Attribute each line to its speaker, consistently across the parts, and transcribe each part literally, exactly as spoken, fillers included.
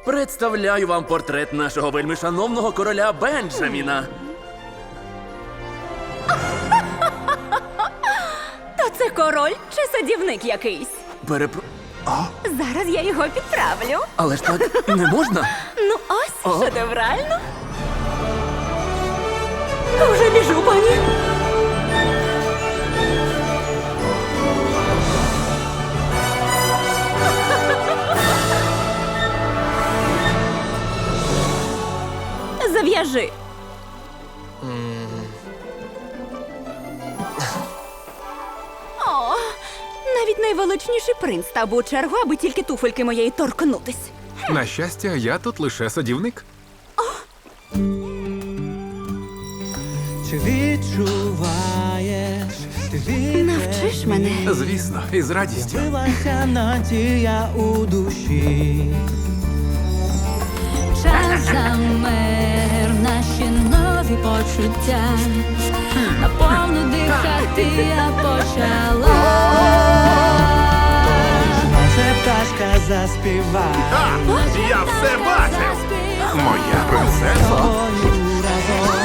Speaker 1: Представляю вам портрет нашого вельмишановного короля Бенджаміна.
Speaker 2: То це король чи садівник якийсь?
Speaker 1: Перепро...
Speaker 2: Зараз я його підправлю.
Speaker 1: Але ж так не можна?
Speaker 2: Ну ось,
Speaker 1: О.
Speaker 2: шедеврально. Вже біжу, пані. Зав'яжи. О, навіть найвеличніший принц став би у чергу, аби тільки туфельки моєї торкнутись.
Speaker 3: На щастя, я тут лише садівник.
Speaker 4: Чи відчуваєш, ти
Speaker 2: Навчиш мене.
Speaker 3: Звісно, і з радістю.
Speaker 4: відбилася надія у душі.
Speaker 5: Час замер, наші нові почуття. Наповну дихати я почала.
Speaker 4: Може пташка заспіває
Speaker 3: Я все бачив! Моя принцеса.
Speaker 4: тобою разом.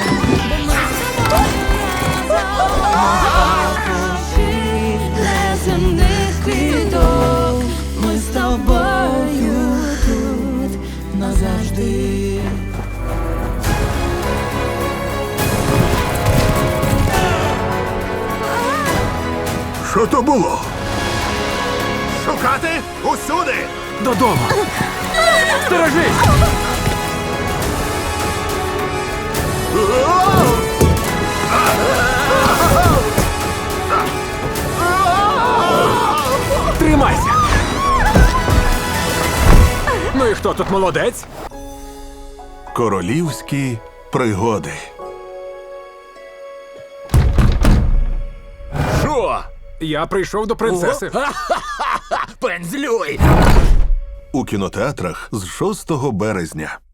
Speaker 5: Неземних квіток,
Speaker 4: Ми з тобою тут назавжди.
Speaker 3: Що то було? Шукати усюди! Додому! Сторожись! Тримайся! Ну і хто тут молодець?
Speaker 6: Королівські пригоди.
Speaker 1: Що?
Speaker 3: Я прийшов до принцеси.
Speaker 1: Пензлюй!
Speaker 6: У кінотеатрах з шостого березня.